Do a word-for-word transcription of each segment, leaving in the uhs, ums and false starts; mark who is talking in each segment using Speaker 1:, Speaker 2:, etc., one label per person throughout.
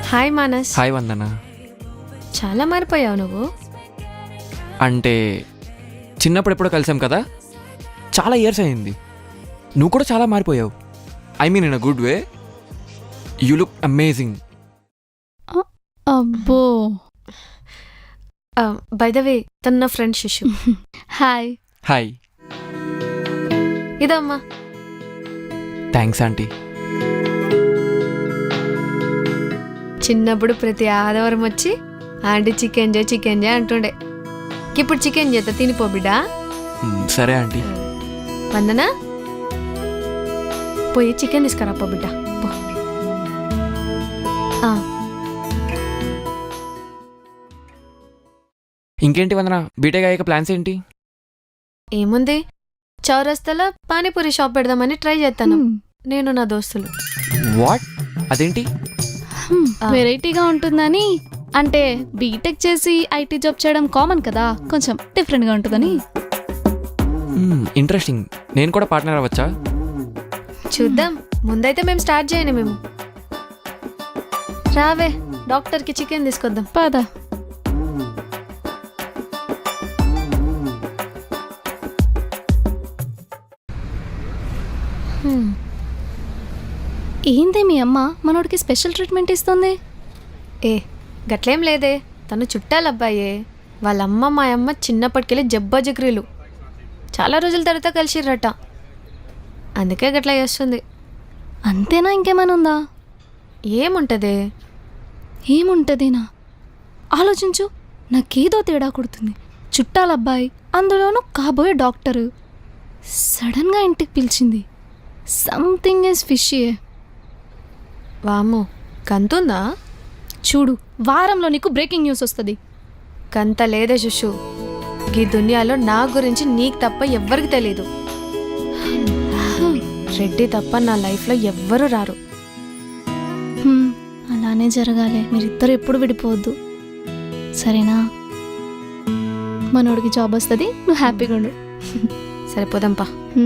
Speaker 1: Hi Manas.
Speaker 2: Hi వందన.
Speaker 1: చాలా మారిపోయావు నువ్వు.
Speaker 2: అంటే చిన్నప్పుడు ఎప్పుడో కలిసాం కదా, చాలా ఇయర్స్ అయింది. నువ్వు కూడా చాలా మారిపోయావు. I mean in a good way. You look amazing.
Speaker 3: అబ్బో.
Speaker 1: బై ద వే తన నా ఫ్రెండ్ శిశు.
Speaker 3: హాయ్.
Speaker 2: హాయ్.
Speaker 1: ఇదమ్మా.
Speaker 2: Thanks aunty.
Speaker 1: చిన్నప్పుడు ప్రతి ఆదివారం వచ్చి ఆంటీ చికెన్ చే చికెన్ చే అంటుండే. ఇప్పుడు చికెన్ చేత తినిపో బిడ్డా.
Speaker 2: సరే ఆంటీ.
Speaker 1: వందనా పోయి చికెన్ తీసుకురా పో బిడ్డా.
Speaker 2: ఇంకేంటి వందన, బీటెక్ అయ్యాక ప్లాన్స్ ఏంటి?
Speaker 1: ఏముంది, చౌరస్తాలో పానీపూరి షాప్ పెడదామని ట్రై చేస్తాను నేను నా దోస్తులు.
Speaker 2: వాట్? అదేంటి?
Speaker 3: వెరైటీగా ఉంటుందని. అంటే బీటెక్ చేసి ఐటీ జాబ్ చేయడం కామన్ కదా, కొంచెం డిఫరెంట్గా ఉంటుందని.
Speaker 2: ఇంట్రెస్టింగ్. నేను కూడా పార్ట్నర్ అవ్వచ్చా?
Speaker 1: చూద్దాం. ముందైతే మేము స్టార్ట్ చేయను. మేము రావే డాక్టర్కి చికెన్ తీసుకొద్దాం.
Speaker 3: పద. ఏంది మీ అమ్మ మనోడికి స్పెషల్ ట్రీట్మెంట్ ఇస్తుంది?
Speaker 1: ఏ గట్లేం లేదే, తను చుట్టాలబ్బాయే. వాళ్ళమ్మ మా అమ్మ చిన్నప్పటికెళ్ళి జబ్బా జగ్రీలు. చాలా రోజుల తర్వాత కలిసిర్రట, అందుకే గట్లా చేస్తుంది.
Speaker 3: అంతేనా? ఇంకేమైనా ఉందా?
Speaker 1: ఏముంటదే?
Speaker 3: ఏముంటదేనా? ఆలోచించు. నాకేదో తేడా కొడుతుంది. చుట్టాలబ్బాయి, అందులోనూ కాబోయే డాక్టరు, సడన్గా ఇంటికి పిలిచింది. సంథింగ్ ఈజ్ ఫిషియే.
Speaker 1: వామ్మో, కంతుందా?
Speaker 3: చూడు, వారంలో నీకు బ్రేకింగ్ న్యూస్ వస్తుంది.
Speaker 1: కంత లేదే శుషు. ఈ దునియాలో నా గురించి నీకు తప్ప ఎవ్వరికి తెలీదు. రెడ్డి తప్ప నా లైఫ్లో ఎవ్వరూ రారు.
Speaker 3: అలానే జరగాలి. మీరిద్దరు ఎప్పుడు విడిపోవద్దు, సరేనా? మనోడికి జాబ్ వస్తుంది, నువ్వు హ్యాపీగా ఉండు.
Speaker 1: సరిపోదాంపా.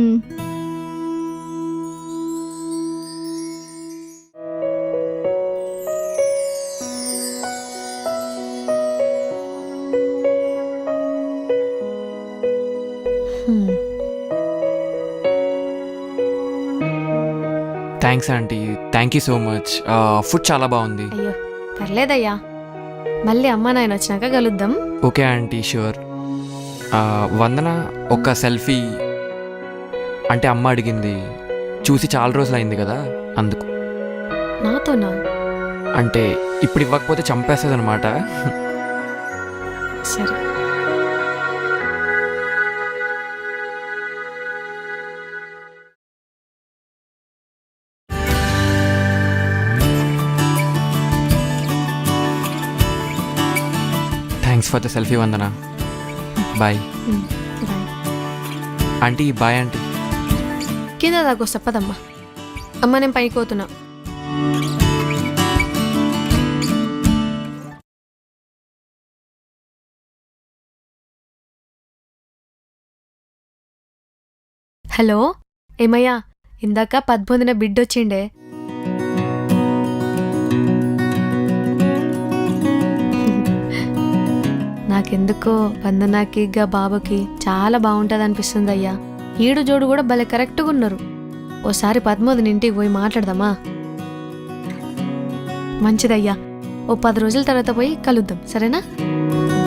Speaker 2: Thanks aunty. Thank you so much. Food చాలా బాగుంది.
Speaker 1: అయ్యో పర్లేదయ్యా, మళ్ళీ అమ్మ నాయన వచ్చినాక కలుద్దాం.
Speaker 2: Okay aunty, sure. వందన, ఒక సెల్ఫీ. అంటే అమ్మ అడిగింది, చూసి చాలా రోజులు అయింది కదా, అందుకు.
Speaker 1: నాతోనా?
Speaker 2: అంటే ఇప్పుడు ఇవ్వకపోతే చంపేస్తుంది అనమాట.
Speaker 1: సరే.
Speaker 2: Thanks for the selfie Vandana. Bye. Aunty bye. Aunty
Speaker 1: కింద దాకా చెప్పదమ్మా. అమ్మ నేను పైకి పోతున్నా. హలో ఏమయ్యా, ఇందాక పద్మొందిన బిడ్డొచ్చిండే. నాకెందుకో వందనాకి గా బాబుకి చాలా బాగుంటుంది అనిపిస్తుంది అయ్యా. ఈడు జోడు కూడా భలే కరెక్ట్గా ఉన్నారు. ఓసారి పద్మోదిని ఇంటికి పోయి మాట్లాడదామా? మంచిదయ్యా, ఓ పది రోజుల తర్వాత పోయి కలుద్దాం, సరేనా?